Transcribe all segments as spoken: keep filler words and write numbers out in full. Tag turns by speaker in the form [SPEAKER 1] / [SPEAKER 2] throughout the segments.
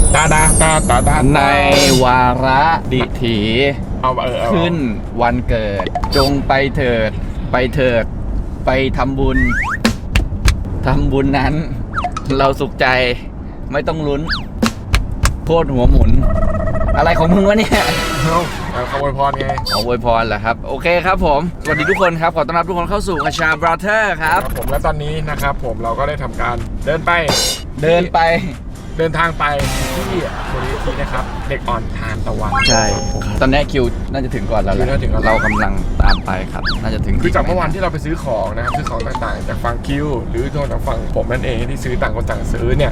[SPEAKER 1] ตาดาตาตาตา
[SPEAKER 2] ในวาระดิถี
[SPEAKER 1] เอาเออ
[SPEAKER 2] ขึ้นวันเกิดจงไปเถิดไปเถิดไปทำบุญทำบุญนั้นเราสุขใจไม่ต้องลุ้นโคตรหัวหมุนอะไรของมึงวะเนี่ย
[SPEAKER 1] เอาขโมยพรไง
[SPEAKER 2] ขออวยพรเหรอครับโอเคครับผมสวัสดีทุกคนครับขอต้อนรับทุกคนเข้าสู่คชาบราเธอร์ครับ
[SPEAKER 1] ผมและตอนนี้นะครับผมเราก็ได้ทำการเดินไป
[SPEAKER 2] เดินไป
[SPEAKER 1] เดินทางไปที่มูลนิธินะครับเด็กอ่อนทานตะวัน
[SPEAKER 2] ใช่ตอนนี้คิวน่าจะถึงก่อนเราแล้วเรากำลังตามไปครับน่าจะถึง
[SPEAKER 1] คือจากเมื่อวานที่เราไปซื้อของนะครับซื้อของต่างๆจากฝั่งคิวหรือตัวจากฝั่งผมนั่นเองที่ซื้อต่างคนต่างซื้อเนี่ย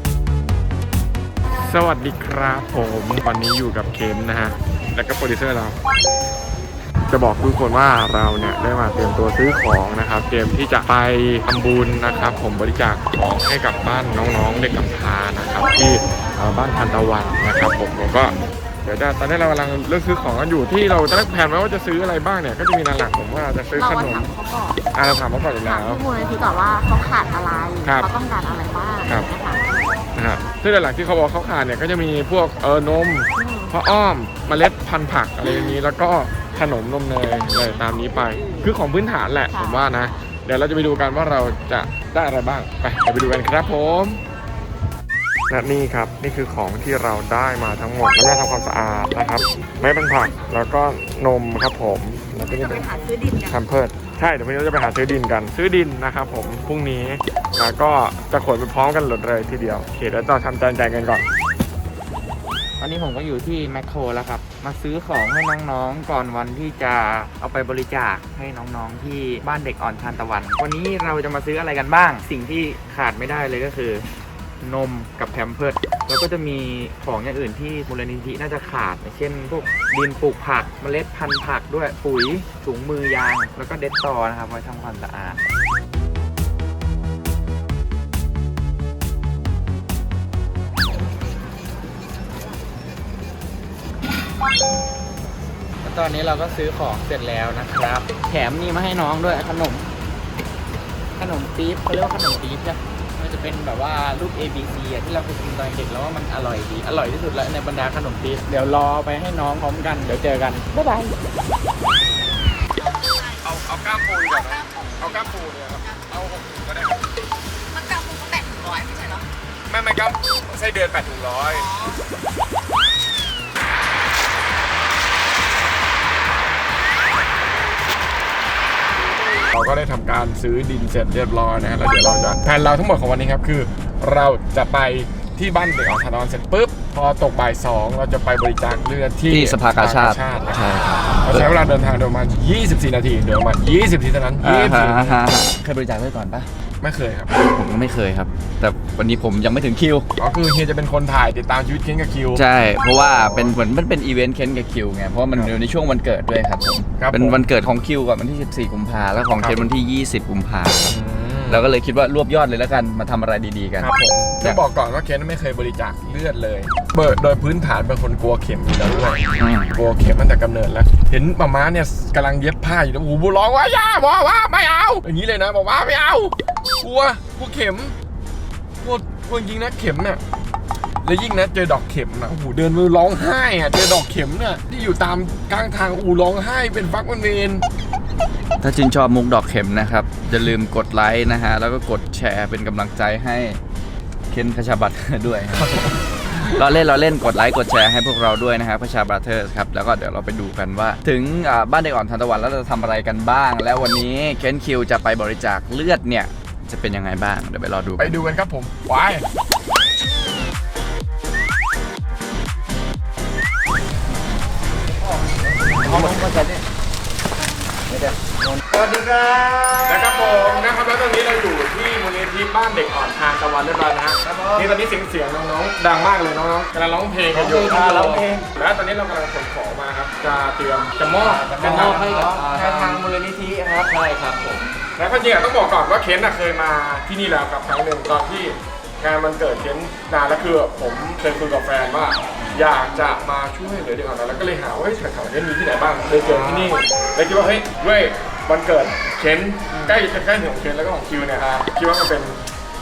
[SPEAKER 1] สวัสดีครับผมวันนี้อยู่กับเคนนะฮะและก็โปรดิวเซอร์เราจะบอกทุกคนว่าเราเนี่ยได้มาเตรียมตัวซื้อของนะครับเตรียมที่จะไปทำบุญนะครับผมบริจาคของให้กับบ้านน้องๆเด็กกำพร้านะครับที่บ้านทันตะวันนะครับผมผมก็เดี๋ยวจะตอนนี้เรากำลังเลือกซื้อของกันอยู่ที่เราจะได้แผนไว้ว่าจะซื้ออะไรบ้างเนี่ยก็จะมีหลักๆผมว่าจะซื้อขนมอ่าเราถามเขาก่อนอยู่แล้ว
[SPEAKER 3] มูลนิธิก่อนว่าเขาขาดอะไรเขาต้องการอะไรบ้างนะคะ
[SPEAKER 1] นะครับซึ่งหลักๆที่เขาบอกเขาขาดเนี่ยก็จะมีพวกเออนมผ้าอ้อมเมล็ดพันธุ์ผักอะไรอย่างนี้แล้วก็ขนมนมเนยอะไรตามนี้ไปคือของพื้นฐานแหละผมว่านะเดี๋ยวเราจะไปดูกันว่าเราจะได้อะไรบ้างไปเดี๋ยวไปดูกันครับผมและนี่ครับนี่คือของที่เราได้มาทั้งหมดแล้วก็ทำความสะอาดนะครับไม่เป็นผักแล้วก็นมครับผมแล้วก็จะเป็นแคมเพิร์ดใช่เดี๋ยววันนี้เราจะไปหาซื้อดินกันซื้อดินนะครับผมพรุ่งนี้แล้วก็จะขนไปพร้อมกันหมดเลยทีเดียวโอเคเดี๋ยวเราทำจานแจงกันก่อน
[SPEAKER 2] ตอนนี้ผมก็อยู่ที่แมคโครแล้วครับมาซื้อของให้น้องๆก่อนวันที่จะเอาไปบริจาคให้น้องๆที่บ้านเด็กอ่อนทานตะวันวันนี้เราจะมาซื้ออะไรกันบ้างสิ่งที่ขาดไม่ได้เลยก็คือนมกับแพมเพิร์สแล้วก็จะมีของอย่างอื่นที่มูลนิธิน่าจะขาดเช่นพวกดินปลูกผักเมล็ดพันธุ์ผักด้วยปุ๋ยถุงมือยางแล้วก็เด็ดตอนะครับไว้ทำความสะอาดตอนนี้เราก็ซื้อของเสร็จแล้วนะครับแถมนี่มาให้น้องด้วยขนมขนมปี๊บเขาเรียกว่าขนมปี๊บใช่มันจะเป็นแบบว่ารูป เอ บี ซี อ่ะที่เราเคยกินตอนเด็กแล้วว่ามันอร่อยดีอร่อยที่สุดแล้วในบรรดาขนมปี๊บเดี๋ยวรอไปให้น้องพร้อมกันเดี๋ยวเจอกันบ๊ายบาย
[SPEAKER 1] เอาเอาก้ามปูก่อนนะเอาก้ามปูเนี่ยครับเอาหกถุงก็ได้ครับ
[SPEAKER 3] มันก้ามปูก็แปดถุงร้อยไม่ใช่เหรอ
[SPEAKER 1] ไม่ไม่ก้ามไส้เดือนแปดถุงร้อยเราก็ได้ทำการซื้อดินเสร็จเรียบร้อยนะแล้วเดี๋ยวเราจะแผนเราทั้งหมดของวันนี้ครับคือเราจะไปที่บ้านเด็กอ่อนทานตะวันเสร็จปุ๊บพอตกบ่ายสองเราจะไปบริจาคเลือดที่
[SPEAKER 2] สภากาชาติ
[SPEAKER 1] ใช่เราใช้เวลาเดินทางประมาณยี่สิบสี่นาทีเดี๋ยวประมาณยี่สิบนาทีเท่านั้นยี่สิบสี่นาที
[SPEAKER 2] เคยบริจาคเลือดก่อนปะ
[SPEAKER 1] ไม่เคยครับ
[SPEAKER 2] ผมก็ไม่เคยครับแต่วันนี้ผมยังไม่ถึงคิว
[SPEAKER 1] อ๋อคือเฮียจะเป็นคนถ่ายติดตามชีวิตเคนกับคิว
[SPEAKER 2] ใช่เพราะว่าเป็นเหมือนมันเป็นอีเวนต์เคนกับคิวไงเพราะมันอยู่ในช่วงวันเกิดด้วยครับผมเป็นวันเกิดของคิวก่อนวันที่สิบสี่กุมภาแล้วของเคนวันที่ยี่สิบกุมภาเราก็เลยคิดว่ารวบยอดเลยแล้วกันมาทำอะไรดีๆกัน
[SPEAKER 1] ครับผมจะบอกก่อนว่าเคนไม่เคยบริจาคเลือดเลยเบิร์ดโดยพื้นฐานเป็นคนกลัวเข็มอยู่แล้วด้วยกลัวเข็มตั้งแต่กำเนิดแล้วเห็นมาม่าเนี่ยกำลังเย็บผ้าอยู่แล้วโอ้โหร้องว่าย่าบอกว่าไม่เอาอย่างนี้เลยนะบอกว่าไม่เอากลัวกลัวเข็มกลัวกลัวจริงนะเข็มเนี่ยแล้วยิ่งนะเจอดอกเข็มนะโอ้โหเดินมือร้องไห้อะเจอดอกเข็มเนี่ยที่อยู่ตามกลางทางอูร้องไห้เป็นฟักเป็นเวร
[SPEAKER 2] ถ้าชื่นชอบมุกดอกเข็มนะครับอย่าลืมกดไลค์นะฮะแล้วก็กดแชร์เป็นกำลังใจให้เคนคชาบัตด้วยเราเล่นเราเล่นกดไลค์กดแชร์ให้พวกเราด้วยนะครับคชาบัตเตอร์ครับแล้วก็เดี๋ยวเราไปดูกันว่าถึงบ้านเด็กอ่อนทานตะวันแล้วเราจะทำอะไรกันบ้างแล้ววันนี้เคนคิวจะไปบริจาคเลือดเนี่ยจะเป็นยังไงบ้างเดี๋ยวไปรอดู
[SPEAKER 1] ไปดูกันครับผมไป
[SPEAKER 2] สวัสดีครับ
[SPEAKER 1] นะครับผมนะครับแล้วตอนนี้เราอยู่ที่มูลนิธิบ้านเด็กอ่อนทานตะวันเรียบร้อยนะฮะนี่ตอนนี้เสียงเสียงน้องๆดังมากเลยน้องๆกำลังร้องเพลงกันอยู่ร้องเพลงแล้วตอนนี้เรากำลังขนของมาครับจะเตรียมจะมอบ
[SPEAKER 2] จะมอบให้กับทางมูลนิธิครับใช่ครับผม
[SPEAKER 1] แล้วจริงๆต้องบอกก่อนว่าเคนเคยมาที่นี่แล้วกับครั้งหนึ่งตอนที่งานมันเกิดเคนนานแล้วคือผมเคยคุยกับแฟนว่าอยากจะมาช่วยเหลือเด็กอ่อนแล้วก็เลยหาว่าแถวๆนี้มีที่ไหนบ้างเลยเจอที่นี่เลยคิดว่าเฮ้ยด้วยวันเกิดเคนใกล้จะใกล้ถึงของเคนแล้วก็ของคิวเนี่ยคิดว่ามันเป็น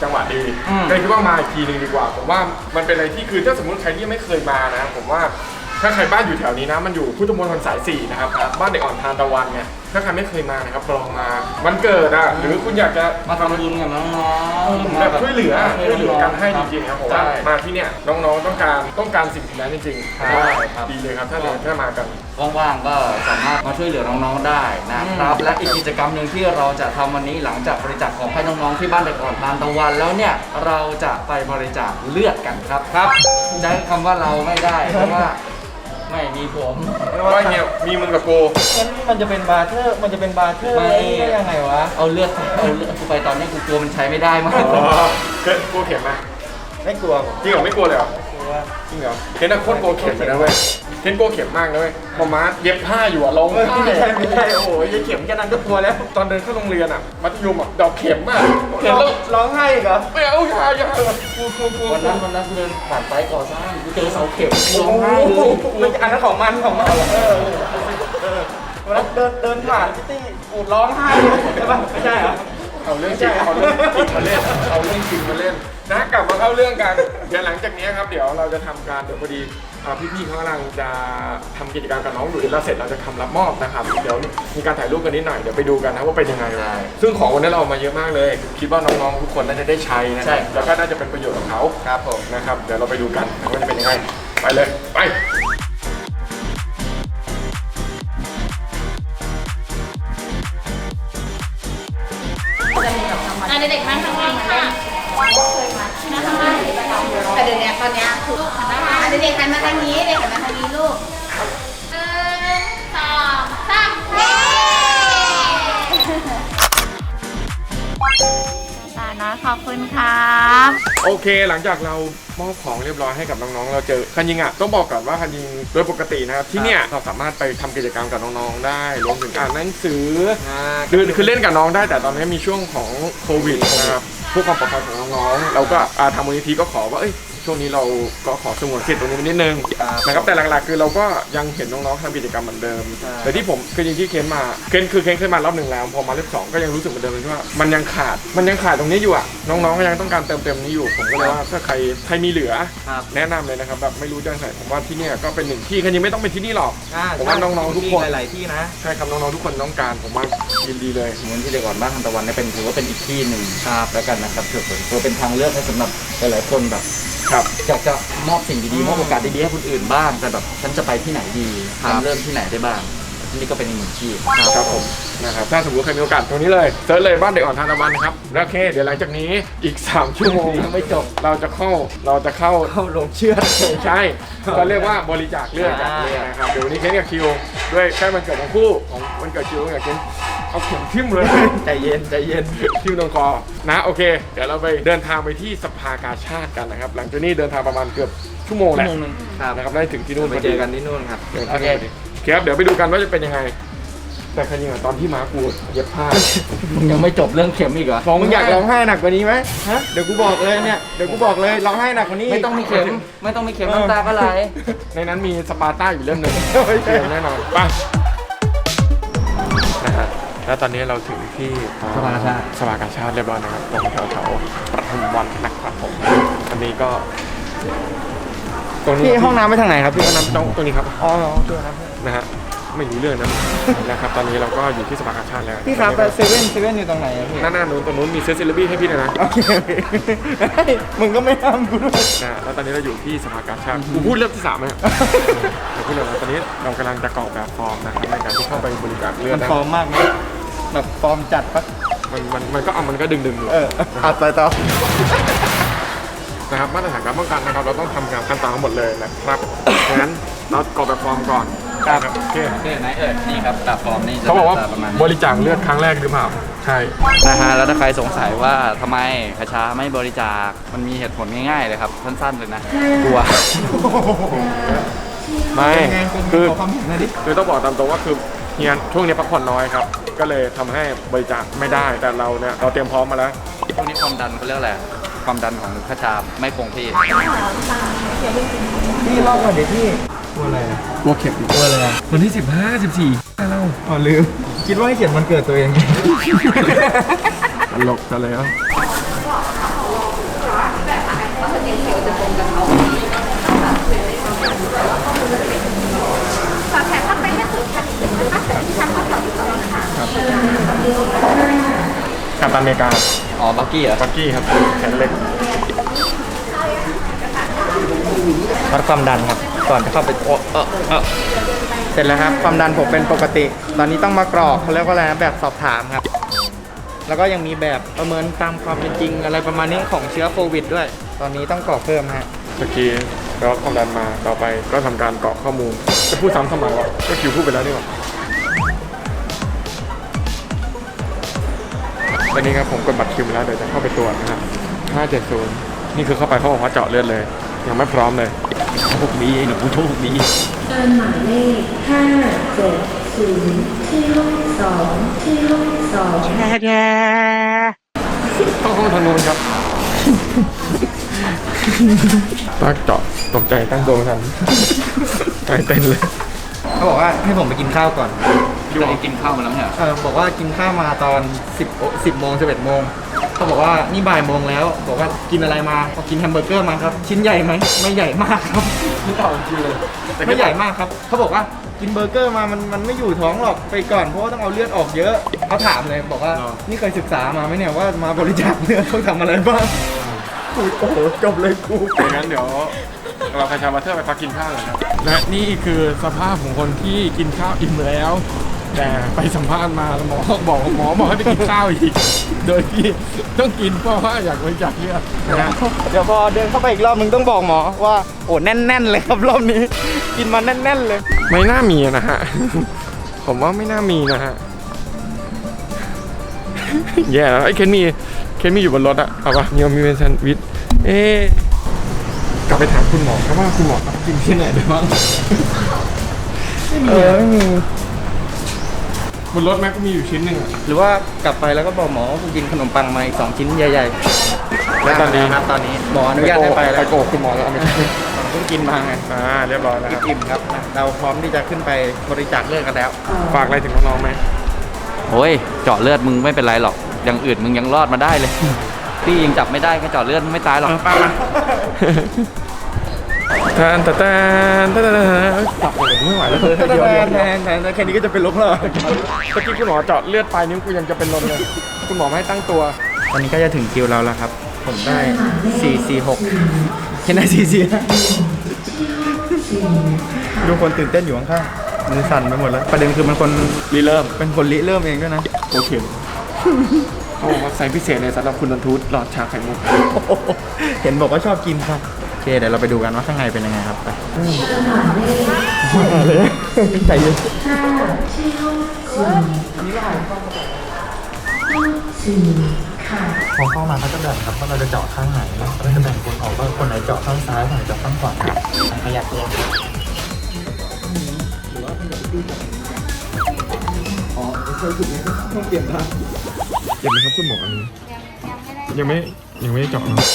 [SPEAKER 1] จังหวะดี
[SPEAKER 2] อืม
[SPEAKER 1] ก็เลยคิดว่ามาอีกทีนึงดีกว่าผมว่ามันเป็นอะไรที่คือถ้าสมมติใครที่ไม่เคยมานะผมว่าถ้าใครบ้านอยู่แถวนี้นะมันอยู่พุทธมณฑลสายสี่นะครับบ้านเด็กอ่อนทานตะวันไงถ้าใครไม่เคยมานะครับลองมาวันเกิดอ่ะหรือคุณอยากจะ
[SPEAKER 2] มาทำบุญกับน้องๆ
[SPEAKER 1] แบบช่วยเหลือ
[SPEAKER 2] มา
[SPEAKER 1] ช่วยเหลือกันให้จริงๆครับผมว่า
[SPEAKER 2] ใช่
[SPEAKER 1] มาที่เนี่ยน้องๆต้องการต้องการสิ่งนั้นจริงๆ
[SPEAKER 2] ใช่
[SPEAKER 1] ว่า
[SPEAKER 2] ครับ
[SPEAKER 1] ดีเลยครับถ้าเราถ้ามากัน
[SPEAKER 2] ว่างๆก็สามารถมาช่วยเหลือน้องๆได้นะครับและอีกกิจกรรมหนึ่งที่เราจะทำวันนี้หลังจากบริจาคของให้น้องๆที่บ้านเด็กอ่อนทานตะวันแล้วเนี่ยเราจะไปบริจาคเลือดกันครับครับใช้คำว่าเราไม่ได้เพราะว่าไม่มีผม
[SPEAKER 1] ว่าเงี้ยมีมึงกับโก
[SPEAKER 4] งั้นมันจะเป็นบาร์เทอร์ มันจะเป็นบาร์เทอร์
[SPEAKER 2] ไม่
[SPEAKER 4] ได้ยังไงวะ
[SPEAKER 2] เอาเลือดเอาเลือดกูไปตอนนี้กูกลัวมันใช้ไม่ได้มาก
[SPEAKER 1] อ๋อเคยกลัวเข็มไหม
[SPEAKER 4] ไม่กลัวผม
[SPEAKER 1] จริงเหรอไม่กลัวเลยเหรอ
[SPEAKER 4] กลัว
[SPEAKER 1] จริงเหรอเคนน่ะโคตรกลัวเข็มเลยนะเว้ยเคนกลัวเข็มมากนะเว้ยพอมาเย็บผ้าอยู่อะร้องไห้
[SPEAKER 4] ไม่ใช่ไม่ใช่โอ้โหยายเข็มแค่นั้นก็กลัวแล้ว
[SPEAKER 1] ตอนเดินเข้าโรงเรียนอะมัธยมอะดอกเข็มอะเห็น
[SPEAKER 4] ร้อง
[SPEAKER 1] แล้ว
[SPEAKER 4] ร้องไห้อีกเหรอ
[SPEAKER 1] ไม่เอาอย่าอย่ากลัวกลัวกลัว
[SPEAKER 2] วันนั้นวันนั้นกูเดินผ่านไซต์ก่อสร้างกูเจอเสาเข็มร้
[SPEAKER 4] โอ้
[SPEAKER 2] องไห้เลย
[SPEAKER 4] โหมันอันนั้นของมันของมันเออเออวันนั้นเดินเดินผ่านพี่ตี้อูดร้องไห้เลยใช่ปะไม่ใช่เหรอ
[SPEAKER 1] เอาเรื่องจริงเอาเรื่องจริงมาเล่นเอาเรื่องจริงมาเล่นนะกลับมาเข้าเรื่องกันเดี๋ยวหลังจากนี้ครับเดี๋ยวเราจะทำการเดี๋ยวพอดีอ่าพี่ๆเขากำลังจะทำกิจกรรมกับน้องหลุยส์แล้วเสร็จเราจะทำรับมอบนะครับเดี๋ยวมีการถ่ายรูปกันนิดหน่อยเดี๋ยวไปดูกันนะว่าเป็นยังไงซึ่งของวันนี้เราเอามาเยอะมากเลย คิดว่าน้องๆทุกคนน่าจะได้ใช้นะครับแล้วก็น่าจะเป็นประโยชน์กับเขา
[SPEAKER 4] ครับผม
[SPEAKER 1] นะครับเดี๋ยวเราไปดูกันว่าจะเป็นยังไงไปเลยไป
[SPEAKER 3] อ่ะเด็กๆนั่งข้างล่างค่ะนะคะแต่เดี๋ยวนี้ตอนเนี้ยคือลูกหันมาเด็กๆหันมาทางนี้เด็กหันมาทางนี้ลูกหนึ่งสองสามเย้ตานะขอบคุณค่ะ
[SPEAKER 1] โอเคหลังจากเรามอบของเรียบร้อยให้กับน้องๆเราเจอคันยิงอ่ะต้องบอกก่อนว่าคันยิงโดยปกตินะครับที่เนี่ยเราสามารถไปทำกิจกรรมกับน้องๆได้รวมถึงอ่านหนังสือคือคือเล่นกับน้องได้แต่ตอนนี้มีช่วงของโควิดนะครับเพื่อความปลอดภัยของน้องๆเราก็อ่าทางมูลนิธิก็ขอว่าเอ้ยช่วงนี้เราก็ขอสงวนสิทธิ์ตรงนี้นิดนึงนะครับแต่หลักๆคือเราก็ยังเห็นน้องๆทำกิจกรรมเหมือนเดิมแต่ที่ผมคือจริงที่เคนมาเคนคือเคนเคยมารอบหนึ่งแล้วพอมารอบสองก็ยังรู้สึกเหมือนเดิมเลยว่ามันยังขาดมันยังขาดตรงนี้อยู่อ่ะน้องๆก็ยังต้องการเติมเต็มนี้อยู่ผมก็เลยว่าถ้าใครใครมีเหลือ
[SPEAKER 2] ครับ
[SPEAKER 1] แนะนำเลยนะครับแบบไม่รู้จะไหนผมว่าที่เนี่ยก็เป็นหนึ่งที่คันยิงไม่ต้องเป็นที่นี่หรอก
[SPEAKER 4] อ่า
[SPEAKER 1] ผมว่าน้องๆทุกคน
[SPEAKER 4] มีหลายๆที่นะ
[SPEAKER 1] ใช่ครับน้องๆทุกคนต้องการผมว่ายินดีเลย
[SPEAKER 2] มูลที่เด็กอ่อนบ้านทานตะวันเนี่ยเป็นถือว่าเป็นอีกที่หนึ่งครับแล้วกันนะครับถือเป็นถือเป็นทางเลือกให้สำหรับหลายๆคนแบบ
[SPEAKER 1] ครับ
[SPEAKER 2] อยากจะมอบสิ่งดีๆมอบโอกาสดีๆให้คนอื่นบ้างแต่แบบฉันจะไปที่ไหนดี
[SPEAKER 1] ครับ
[SPEAKER 2] ทำเริ่มที่ไหนได้บ้างนี่ก็เป็นอีกหนึ่งที่
[SPEAKER 1] ครับผมนะครับถ้าสมมติใครมีโอกาสตรงนี้เลยเซิร์ชเลยบ้านเด็กอ่อนทานตะวันครับแล้วโอเคเดี๋ยวหลังจากนี้อีก สาม ชั่วโมง
[SPEAKER 2] ยังไม่จบ
[SPEAKER 1] เราจะเข้าเราจะเข้า
[SPEAKER 4] เข้าลงเชือด
[SPEAKER 1] ใช่ก็เรียกว่าบริจาคเลือดกัน
[SPEAKER 4] อ่า
[SPEAKER 1] เนี่ยนะครับเดี๋ยววันนี้เคนกับคิวด้วยใกล้วันเกิดของคู่ของวันเกิดคิวกับเคนเอาเข็มทิ่มเลย
[SPEAKER 4] ใจเย็นใจเย็น
[SPEAKER 1] ทิ่มตรงคอนะโอเค เดี๋ยวเราไปเดินทางไปที่สภากาชาติกันนะครับหลังจากนี้เดินทางประมาณเกือบชั่วโมงแห
[SPEAKER 2] ชั่
[SPEAKER 1] ละ
[SPEAKER 2] วโมงหนึงครับ
[SPEAKER 1] นะครับได้ถึงที่นู่น
[SPEAKER 4] ไป
[SPEAKER 1] พอ
[SPEAKER 4] เจ
[SPEAKER 1] ดี
[SPEAKER 4] อกันที่นู่นครับ
[SPEAKER 1] เดี๋ยว
[SPEAKER 2] โอเค
[SPEAKER 1] โอเคครับเดี๋ยวไปดูกันว่าจะเป็นยังไง แต่คันยิงอะตอนที่ม้ากูเย็บผ้า
[SPEAKER 2] มึงยังไม่จบเรื่องเข็มอีกเหรอ
[SPEAKER 1] ร้อง
[SPEAKER 4] มึง
[SPEAKER 1] ไห้
[SPEAKER 4] อยากร้องไห้หนักกว่านี้ไหมฮะ เดี๋ยวกูบอกเลยเนี่ย เดี๋ยวกูบอกเลยร้องไห้หนักกว่านี้
[SPEAKER 2] ไม่ต้องมีเข็มไม่ต้องมีเข็มน้ำตาก็ไหล
[SPEAKER 1] ในนั้นมีสปาร์ต้าอยู่เล่มหนึ่งเตรียมแน่นอนไปนะฮะแล้วตอนนี้เราถึงที่
[SPEAKER 2] สภากาชาติ
[SPEAKER 1] สภากาชาติเรียบร้อยนะครับตรงแถวแถวๆปทุมวันนะครับผมอันนี้ก็ตรงนี้
[SPEAKER 4] พี่ห้องน้ำไปทางไหนครับพี่
[SPEAKER 1] ห้องน้ำตรงตรงนี้ครับ
[SPEAKER 4] อ๋อโอเคครับ
[SPEAKER 1] นะฮะไม่รู้เรื่องนะ นะครับตอนนี้เราก็อยู่ที่สภากาชาติแล้ว
[SPEAKER 4] พี่ครับแต่เซเว่นเซเว่นอยู่ตรงไหนอะพี่
[SPEAKER 1] หน้าหน้านู้นตรงนู้นมีเซสซิลบี้ให้พี่เลยนะ
[SPEAKER 4] โอเคโอเคเฮ้ยมึงก็ไม่ห้ามกูด้วย
[SPEAKER 1] นะฮะแล้วตอนนี้เราอยู่ที่สภากาชาติกูพูดเรื่องที่สามไหมเนี่ยเดี๋ยวพูดเลยนะตอนนี้เรากำลังจะกรอกแบบฟอร์มนะครับในการที่เข้าไปบริจาคเลือด
[SPEAKER 4] มัน
[SPEAKER 1] นะ
[SPEAKER 4] ฟอร์มมากไหมแบบฟอร์มจัดปะ
[SPEAKER 1] มันมันมันก็เอามันก็ดึงดึงๆอยู่
[SPEAKER 4] เอออัดไปต่อ
[SPEAKER 1] นะครับมาตรฐานการป้องกันนะครับเราต้องทำการขั้นตอนทั้งหมดเลยนะครับดังนั้นเรากรอกแบบฟอร์มก่อนครับโอเค
[SPEAKER 2] เรื่องไหนเอ่ยนี่ครับแบบฟอร์มนี่จะ
[SPEAKER 1] เขาบอกว่า
[SPEAKER 2] หน้ตประมาณ
[SPEAKER 1] บ
[SPEAKER 2] นี้
[SPEAKER 1] ริจาคเลือดครั้งแรกหรือเปล่าใช่
[SPEAKER 2] นะฮะแล้วถ้าใครสงสัยว่าทำไมคชาไม่บริจาคมันมีเหตุผลง่ายๆเลยครับสั้นๆเลยนะกลัว
[SPEAKER 1] ไม่
[SPEAKER 4] เป็นไงเป็นไง
[SPEAKER 1] คือ
[SPEAKER 4] ขอความเห็นหน่อยดิ
[SPEAKER 1] คือต้องบอกตามตรงว่าคือเฮียช่วงนี้พักผ่อนน้อยครับก็เลยทำให้บริจาคไม่ได้แต่เราเนี่ยเราเตรียมพร้อมมาแล้ว
[SPEAKER 2] ช่วงนี้ความดันเขาเรียกอะไรความดันของคชาไม่คงที่
[SPEAKER 4] พี่เล่าก่อนเดี๋ยวพี่กลัวอะไรอะ
[SPEAKER 1] กลัวเข็ม
[SPEAKER 4] กลัวอะไรอะ
[SPEAKER 1] วันที่สิบห้าสิบสี่เรา
[SPEAKER 4] อ๋อลืม คิดว่าให้เขียนวันเกิดตัวเองไง
[SPEAKER 1] ตลกซะแล้ว
[SPEAKER 3] ฝากแขนเข้าไปให้สุดค่ะนะคะแต่ที่ทำข้อสอบที่สองค่ะ
[SPEAKER 1] กัปตันอเมริกา
[SPEAKER 2] อ๋อ บักกี้เหรอ
[SPEAKER 1] บักกี้ครับแขนเล็ก
[SPEAKER 2] วัดความดันครับ ก่อนจะเข้าไปโอ้เออเออเสร็จแล้วครับ ความดันผมเป็นปกติ ตอนนี้ต้องมากรอกเขาเรียกว่าอะไรนะแบบสอบถามครับ แล้วก็ยังมีแบบประเมินตามความเป็นจริงอะไรประมาณนี้ของเชื้อโควิดด้วย ตอนนี้ต้องกรอกเพิ่มฮะ
[SPEAKER 1] เมื่อกี้เราความดันมาต่อไปก็ทำการกรอกข้อมูลจะพูดซ้ำทำไมวะก็คิวพูดไปแล้วนี่หว่าตอนนี้ครับผมกดบัตรคิวไปแล้วเดี๋ยวจะเข้าไปตรวจนะครับห้าเจ็ดศูนย์นี่คือเข้าไปเขาบอกว่าเจาะเลือดเลย ยังไม่พร้อมเลยโชคดีไอ้หนูโชคดี
[SPEAKER 5] เชิญหมายเลขห้าเจ็ดศูนย์ที่ห้องสองที่ห้องสอง
[SPEAKER 1] ต้องห้องทางโน้นครับตั้งเจาะตกใจตั้งตัวไม่ทันใจเต้นเลย
[SPEAKER 2] เขาบอกว่าให้ผมไปกินข้าวก่อน
[SPEAKER 1] อยู่กินข้าวมาแล้วเนี่ย
[SPEAKER 2] เออบอกว่ากินข้าวมาตอนสิบ สิบโมงสิบเอ็ดโมงเขาบอกว่านี่บ่ายโมงแล้ว บอกว่ากินอะไรมาบอกกินแฮมเบอร์เกอร์มาครับ ชิ้นใหญ่ไหมไม่ใหญ่มากครับ
[SPEAKER 1] ไม่ต่อจริงเลย
[SPEAKER 2] ไม่ใหญ่มากครับเขาบอกว่ากินเบอร์เกอร์มามันมันไม่อยู่ท้องหรอกไปก่อนเพราะว่าต้องเอาเลือดออกเยอะเขาถามเลยบอกว่านี่เคยศึกษามาไหมเนี่ยว่ามาบริจาคเลือดต้องทำอะไรบ้างโอ้โหจบเลยกู
[SPEAKER 1] อย่างนั้นเดี๋ยวเราคาชาบัตเตอร์ไปพักกินข้าวเลยครับและนี่คือสภาพของคนที่กินข้าวอิ่มแล้ว แต่ไปสัมภาษณ์มาหมอบอกหมอบอกให้ไปกินข้าวอีก โดยที่ต้องกินเพราะว่าอยากบริจาคเลือด
[SPEAKER 2] นะเดี๋ยวพอเดินเข้าไปอีกรอบมึงต้องบอกหมอว่าโอ้แน่นๆเลยครับรอบนี้ กินมาแน่นๆเลย
[SPEAKER 1] ไม่น่ามีนะฮะ ผมว่าไม่น่ามีนะฮะ แย่แล้วไอ้เคนมีเคนมีอยู่บนรถอะเอาปะมีมีเป็นแซนด์วิชเอ๊ะกลับไปถามคุณหมอครับว่าคุณหมอรับกินที่ไหนได้บ้าง
[SPEAKER 2] เออไม่มี
[SPEAKER 1] บนรถแม็กก็มีอยู่ชิ้นหนึ่งอะ
[SPEAKER 2] หรือว่ากลับไปแล้วก็บอกหมอว่ากูกินขนมปังมาอีกสองชิ้นใหญ่ๆ
[SPEAKER 1] แล้วตอนนี้
[SPEAKER 2] ครับตอนนี้หมออนุญาตให้ไปแล้ว
[SPEAKER 1] ไปโกหกคุณหมอแล้วเอาไม่ใช่
[SPEAKER 2] ผมเพิ่งกินมาไง
[SPEAKER 1] อ่าเรียบร้อยแล้วครับ
[SPEAKER 2] อิ่มๆครับนะเราพร้อมที่จะขึ้นไปบริจาคเลือดกันแล้ว
[SPEAKER 1] ฝากอะไรถึงน้องๆไหม
[SPEAKER 6] โอ้ยเจาะเลือดมึงไม่เป็นไรหรอก อย่างอื่นมึงยังรอดมาได้เลย พี่ยังจับไม่ได้แค่เจาะเลือดมึงไม่ตายหรอก
[SPEAKER 1] ป้ามาแทนแต่แทนแทนแทนจับเลยไม่ไหวแล้ว
[SPEAKER 2] แทนแทนแทนแค่นี้ก็จะเป็นลมแล้ว
[SPEAKER 1] เมื่อกี้คุณหมอเจาะเลือดปลายนิ้วกูยังจะเป็นลมเลย คุณหมอไม่ให้ตั้งตัว
[SPEAKER 2] ตอนนี้ก็จะถึงคิวเราแล้วครับ ผมได้สี่สี่หกแค่ได้สี่สี่ดูคนตื่นเต้นอยู่ข้างๆมือสั่นไปหมดแล้ว ประเด็นคือมันคน
[SPEAKER 1] รีเริ่ม
[SPEAKER 2] เป็นคนริเริ่มเองด้วยนะ
[SPEAKER 1] โอเคเขาบอกว่าไซส์พิเศษเลยสำหรับคุณนันทูตหลอดชาไข่มุก
[SPEAKER 2] เห็นบอกว่าชอบกินครับโอเคเดี๋ยวเราไปดูกันว่าข้างในเป็นยังไงครับไปใจเย็น
[SPEAKER 5] ห้าที่ห้องสี่ห้องสี่ค่ะ
[SPEAKER 7] พอเข้ามาเขาจะแบ่งครับว่าเราจะเจาะข้างไหนเขาจะแบ่งคนออกว่าคนไหนเจาะข้างซ้ายคนไหนเจาะข้างขวาขยับตัว
[SPEAKER 1] เจ็บไหมครับคุณหมออันนี้ยังไม่ยังไม่ได้เจาะนะ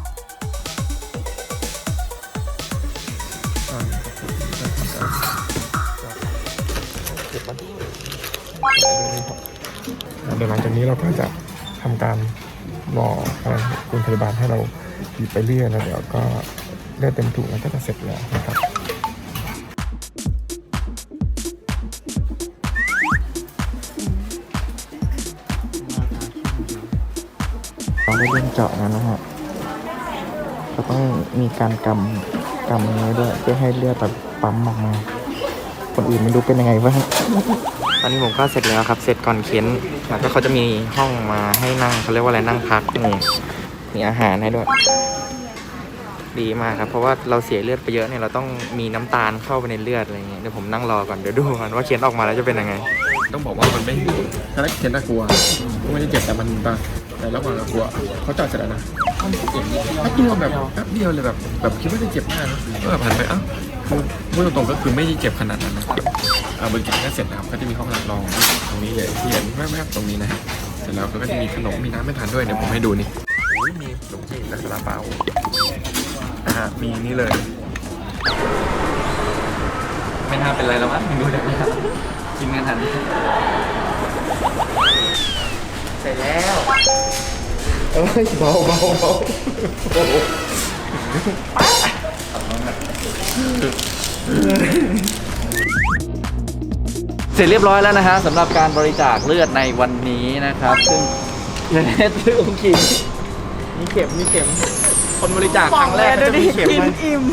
[SPEAKER 1] เดี๋ยวหลังจากนี้เราก็จะทำการรอให้คุณพยาบาลให้เราหยิบไปเรื่อยแล้วเดี๋ยวก็เลือดเต็มถุงแล้วก็จะเสร็จแล้วนะครับเราได้เริ่มเจาะแล้วนะฮะเราต้องมีการกำกำนี้ด้วยเพื่อให้เลือดแบบปั๊มออกมา คนอื่นไม่รู้เป็นยังไงบ้าง
[SPEAKER 2] ตอนนี้ผมก็เสร็จแล้วครับ เสร็จก่อนเค้นแล้วก็เขาจะมีห้องมาให้นั่งเขาเรียกว่าอะไรนั่งพักนี่มีอาหารให้ด้วย ดีมากครับ เพราะว่าเราเสียเลือดไปเยอะเนี่ยเราต้องมีน้ำตาลเข้าไปในเลือดอะไรเงี้ยเดี๋ยวผมนั่งรอก่อนเดี๋ยวดูก่อนว่าเค้นออกมาแล้วจะเป็นยังไง
[SPEAKER 1] ต้องบอกว่ามันไม่ถ้าเขียนน่ากลัวไม่ได้เจ็บแต่มันตาแต่ระหว่างกลัวเขาเจาะเสร็จแล้วนะแป๊บเดียวแบบแป๊บเดียวเลยแบบแบบคิดว่าจะเจ็บมากนะก็แบบผ่านไปอ้าวคือพูดตรงๆก็คือไม่ได้เจ็บขนาดนั้นนะครับอ่าบริการก็เสร็จนะครับก็จะมีห้องรับรองตรงนี้เลยที่เห็นแวบๆตรงนี้นะฮะเสร็จแล้วก็จะมีขนมมีน้ำไม่ทานด้วยเดี๋ยวผมให้ดูนี่โอ้ยมีขนมจีนและซาลาเปาอ่ามีนี่เลย
[SPEAKER 6] ไม่น่าเป็นไรแล้วมั้งดูได้ไหมครับกินกันทัน
[SPEAKER 2] เสร็จแล้วเอ้ยเบาเบาเบาโอ้โห
[SPEAKER 6] เสร็จเรียบร้อยแล้วนะฮะสำหรับการบริจาคเลือดในวันนี้นะครับ ซึ่งอย่างนี้ชื่อองค์ขิง
[SPEAKER 4] มีเข็มมีเข็มคนบริจาคครั้งแรกก็จะมีเข็มมา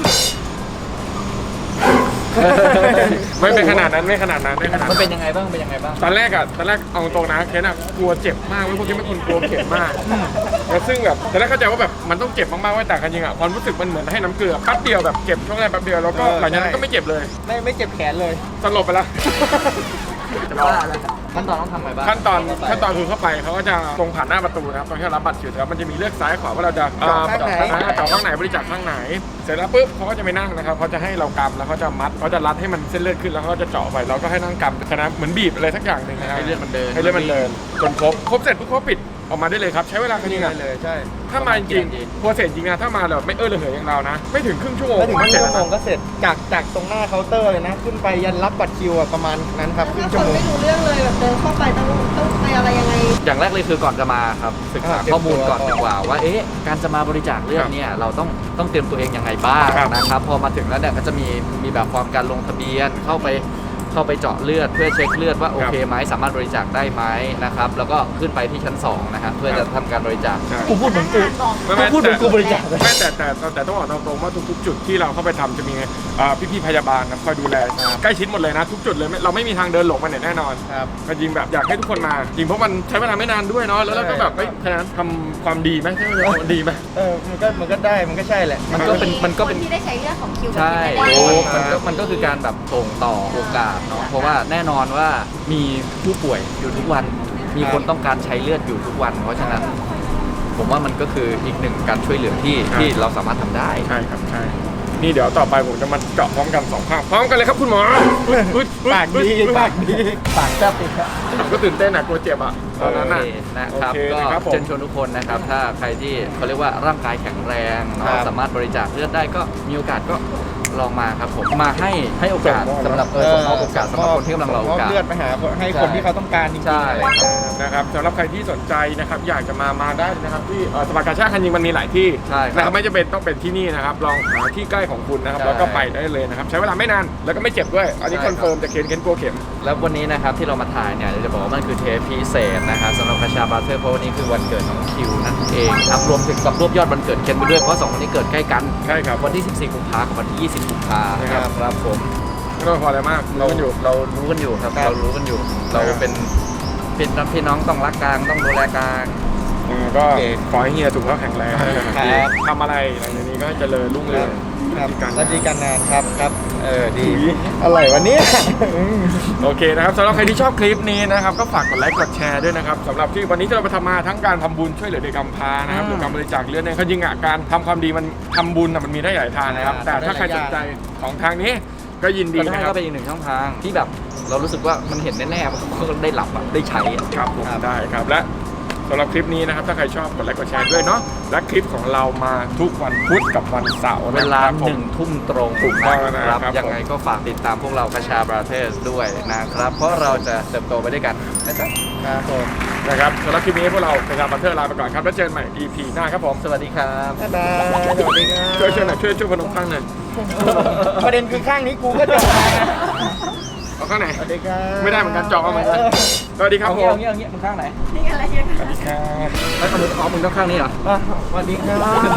[SPEAKER 1] ไม่เป็นขนาดนั้นไม่ขนาดนั้นไม่ขนาด
[SPEAKER 6] มัน
[SPEAKER 1] นั้น
[SPEAKER 6] เป็นยังไงบ้างเป็นยังไงบ้าง
[SPEAKER 1] ตอนแรกอะตอนแรกเอาตรงนะเคนอะกลัวเจ็บมากเว้ยพวกนี้เป็นคนกลัวเข็มมากแล้วซึ่งแบบตอนแรกเข้าใจว่าแบบมันต้องเจ็บมากๆไว้แต่กันจริงอะความรู้สึกมันเหมือนให้น้ำเกลือแป๊บเดียวแบบเจ็บช่วงแรกแป๊บเดียวแล้วก็หลังจากนั้นก็ไม่เจ็บเลย
[SPEAKER 4] ไม่ไม่เจ็บแขนเลย
[SPEAKER 1] สลบไปแล้ว
[SPEAKER 6] จะบ้าแล้วขั้นตอนต้องทำไงบ้าง
[SPEAKER 1] ขั้นตอนขั้นตอนคือเข้าไปเขาก็จะตรงผ่านหน้าประตูนะครับตรงที่เรารับบัตรคิวครับมันจะมีเลือกซ้ายขวาว่าเราจะ
[SPEAKER 4] เจาะข้างไหน
[SPEAKER 1] เอ่อเจาะข้างไหนบริจาคข้างไหน เสร็จแล้วปุ๊บเขาก็จะไปนั่งนะครับเขาจะให้เรากำแล้วเขาจะมัดเขาจะรัดให้มันเส้นเลือดขึ้นแล้วเขาก็จะเจาะไปเราก็ให้นั่งกำคณะเหมือนบีบอะไรสักอย่างหนึ่งนะครับ
[SPEAKER 6] ให้เลือดมันเดิน
[SPEAKER 1] ให้เลือดมันเดินจนครบครบเสร็จปุ๊บเขาปิดออกมาได้เลยครับใช้เวลาแค่นี้
[SPEAKER 4] ได้
[SPEAKER 1] นะ
[SPEAKER 4] เลยใช่
[SPEAKER 1] ถ้ามาจริงๆโปรเซสจริงนะถ้ามาแบบไม่เออระเหยอย่างเรานะ ไม่ถึงครึ่งชั่วโมง
[SPEAKER 4] ไม่ถึงครึ่ง
[SPEAKER 1] เสร็จ
[SPEAKER 4] ชั่ว
[SPEAKER 1] แล้ว
[SPEAKER 4] โมง
[SPEAKER 1] นะ
[SPEAKER 4] ก็เสร็จจากจากตรงหน้าเคาน์เตอร์เลยนะ ขึ้นไปยันรับบัตรคิวอะประมาณนั้นครับครึ่ง
[SPEAKER 5] ถ้าค
[SPEAKER 4] ชั่วนโมง
[SPEAKER 5] ไม่รู้เรื่องเลยแบบเดินเข้าไปต้องต้องไปอะไรยังไง
[SPEAKER 6] อย่างแรกเลยคือก่อนจะมาครับศึกษา
[SPEAKER 4] อ่าเตรียม
[SPEAKER 6] ข้อมูลก่อน
[SPEAKER 4] ตัว
[SPEAKER 6] ดีกว่าว่าเอ๊ะการจะมาบริจาคเลือดเนี่ยเราต้องต้องเตรียมตัวเองยังไงบ้าง
[SPEAKER 1] ครับ
[SPEAKER 6] นะครับพอมาถึงแล้วเนี่ยก็จะมีมีแบบฟอร์มการลงทะเบียนเข้าไปเข้าไปเจาะเลือดเพื่อเช็คเลือดว่าโอเคไหมสามารถบริจาคได้ไหมนะครับแล้วก็ขึ้นไปที่ชั้นสองนะครับเพื่อจะทำการบริจาค
[SPEAKER 1] ใช่
[SPEAKER 4] กูพูดเหมือนกู
[SPEAKER 1] ไม่ไม่
[SPEAKER 4] พูดเหมือนกูบริจาคเลย
[SPEAKER 1] ไม่แต่แต่แต่แต่ต้องบอกตรงๆว่าทุกๆ จุดที่เราเข้าไปทำจะมีอ่าพี่ๆพยาบาลนะคอยดูแลใกล้ชิดหมดเลยนะทุกจุดเลยไม่เราไม่มีทางเดินหลงไปไหนแน่นอน
[SPEAKER 4] ครับ
[SPEAKER 1] ก็จริงแบบอยากให้ทุกคนมาจริงเพราะมันใช้เวลาไม่นานด้วยเนาะแล้วเราก็แบบเฮ้ยฉะนั้นทำความดีไหมใช่ไหมทำดีไหม
[SPEAKER 4] เออมันก็มันก็ได้มันก็ใช่แหละ
[SPEAKER 6] มันก็เป็นมันก็เป็น
[SPEAKER 3] คนที่ได้ใช้เรื่องของคิว
[SPEAKER 6] ใช่
[SPEAKER 3] แบบนี้
[SPEAKER 6] โอ้
[SPEAKER 3] ไม่ได้
[SPEAKER 6] มันก็มันก็คือการแบบส่งต่อโอกาสเนาะเพราะว่าแน่นอนว่ามีผู้ป่วยอยู่ทุกวัน มีคนต้องการใช้เลือดอยู่ทุกวัน เพราะฉะนั้น ผมว่ามันก็คืออีกหนึ่งการช่วยเหลือที่
[SPEAKER 1] ครับ
[SPEAKER 6] ที่เราสามารถทำได้
[SPEAKER 1] ใช่ครับใช่นี่เดี๋ยวต่อไปผมจะมาเจาะพร้อมกันสองข้างพร้อมกันเลยครับคุณหมออุ๊ยอุ๊ยอุ๊ย
[SPEAKER 4] ปากดีปากดีปากแซ่บอีกครับ
[SPEAKER 1] ผมก็ตื่นเต้นอะกลัวเจ็บอะตอนนั้นอะ
[SPEAKER 6] โอเคนะครับ
[SPEAKER 1] โอเค
[SPEAKER 6] ก็
[SPEAKER 1] นะครับผม
[SPEAKER 6] เชิญชวนทุกคนนะครับ ถ้าใครที่เขาเรียกว่าร่างกายแข็งแรง
[SPEAKER 4] ครั
[SPEAKER 6] เนาะ
[SPEAKER 4] บ
[SPEAKER 6] สามารถบริจาคเลือดได้ก็มีโอกาสก็ลองมาครับผมมาให้ให้โอกาสสำหรับเออส่งมอบโอกาสสำหรับคนที่กำลังรอโอกาส
[SPEAKER 4] เลือดไปหาให้คนที่เขาต้องการจริงๆ
[SPEAKER 6] ใช่
[SPEAKER 1] นะครับสำหรับใครที่สนใจนะครับอยากจะมามาได้นะครับที่เอ่อสภากาชาติคันยิงมันมีหลายที่
[SPEAKER 6] ใช่ครับ
[SPEAKER 1] นะครับไม่จำเป็นต้องเป็นที่นี่นะครับลองหาที่ใกล้ของคุณนะครับ
[SPEAKER 6] ใช่
[SPEAKER 1] แล้วก็ไปได้เลยนะครับใช้เวลาไม่นานแล้วก็ไม่เจ็บด้วย อันนี้
[SPEAKER 6] ใช่
[SPEAKER 1] คอนเฟิร์มจากเคนเคนกลัวเข็ม
[SPEAKER 6] แล้ววันนี้นะครับที่เรามาถ่ายเนี่ยจะบอกว่ามันคือเทปพิเศษนะครับสำหรับคาชาบาเทอร์เพราะวันนี้คือวันเกิดของคิวนั่นเองครับรวมถึงกับรวบยอดวันเกิดเคนไปด้วยเพราะสองวันนี้เกิดใกล้กัน
[SPEAKER 1] ใช่ครับ
[SPEAKER 6] วันที่ สิบสี่ กุมภาพันธ์กับวันที่ ยี่สิบ กุมภาพันธ์
[SPEAKER 1] ครับ
[SPEAKER 6] ครับผม
[SPEAKER 1] ไม่ต้องพออะไรมาก
[SPEAKER 6] เรา
[SPEAKER 1] รู้กันอยู่
[SPEAKER 6] เรารู้กันอยู่ครับ
[SPEAKER 4] ครับ
[SPEAKER 6] เรารู้กันอยู่ เรา
[SPEAKER 1] ครับ
[SPEAKER 6] เป็นเป็นพี่น้องต้องรักกันต้องดูแลกัน
[SPEAKER 1] อืมก็
[SPEAKER 4] โอเค
[SPEAKER 1] ขอให้เฮียสุขภาพแข็งแรง
[SPEAKER 4] ครับ
[SPEAKER 1] ทำอะไรหลังจากนี้ก็ให้เจริญรุ่งเรือง
[SPEAKER 4] ครับ
[SPEAKER 1] การ
[SPEAKER 4] สวัสดีกันนานครับครับเออดี
[SPEAKER 1] อุ๊ย
[SPEAKER 4] อร่อยวันนี้
[SPEAKER 1] โอเคนะครับสำหรับใครที่ชอบคลิปนี้นะครับก็ฝากกดไลค์กดแชร์ด้วยนะครับสำหรับที่วันนี้ที่เราไปทำมาทั้งการทำบุญช่วยเหลือเด็กกำพร้านะครับหรือการบริจาคเลือดเนี่ยเขาจริงอ่ะการทำความดีมันทำบุญอ่ะมันมีได้หลายทางนะครับ
[SPEAKER 4] อ่า
[SPEAKER 1] แต่ถ้าใครสนใจของทางนี้ก็ยินดี
[SPEAKER 6] ก็ได้
[SPEAKER 1] นะครับ
[SPEAKER 6] ก็เป็นอีกหนึ่งช่องทางที่แบบเรารู้สึกว่ามันเห็นแน่ๆเพราะเราได้หลับอะได้ใช้อะ
[SPEAKER 1] ครับผมได้ครับและสำหรับคลิปนี้นะครับถ้าใครชอบกดไลค์กดแชร์ด้วยเนาะและคลิปของเรามาทุกวันพุธกับวันเสาร์
[SPEAKER 6] เว
[SPEAKER 1] นะ
[SPEAKER 6] ลา
[SPEAKER 1] ครับ
[SPEAKER 6] ห
[SPEAKER 1] ผม
[SPEAKER 6] นึ่งทุ่มตรง
[SPEAKER 1] ถูกต้องแล้วนะครับ
[SPEAKER 6] ยังไงก็ฝากติดตามพวกเราคาชาบราเทสด้วยนะครับ เพราะเราจะเติบโตไปด้วยกันนะจ๊ะ
[SPEAKER 4] ครับผม
[SPEAKER 1] นะครับสำหรับคลิปนี้พวกเราเป็นการบันเทิงลาไปก่อนครับแล้วเจอกันใหม่ อี พี หน้าครับผม
[SPEAKER 6] สวัสดีครับ
[SPEAKER 4] บ๊ายบายสวัสดีครับ
[SPEAKER 1] ช่วยช่วยหน่อยช่วยช่วยพนมข้างหน่อย
[SPEAKER 4] ประเด็นคือข้างนี้กูก็จบมา
[SPEAKER 1] เอาข้างไหน
[SPEAKER 4] สวัสดีครับ
[SPEAKER 1] ไม่ได้เหมือนกันจองเอาเหมือนกันสวัสดีครับ
[SPEAKER 6] เอา
[SPEAKER 1] ผ
[SPEAKER 6] เงี้ย
[SPEAKER 1] ม
[SPEAKER 6] เอาเงี้ยเอาเงี้ยมึงข้างไหน
[SPEAKER 3] นี่อะไรเนี่ย
[SPEAKER 1] สวัสดีครับ
[SPEAKER 6] แล้วเอามืออ๋อมึงต้องข้างนี้เหรอ
[SPEAKER 4] อ่ะสวัสดีครับ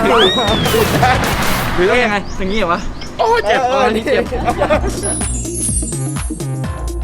[SPEAKER 6] หรือต้องยังไงอย่างนี้เหรอวะ
[SPEAKER 1] โอ้ยเจ็บ
[SPEAKER 4] เออ
[SPEAKER 6] อันนี้เจ็บ
[SPEAKER 4] เออ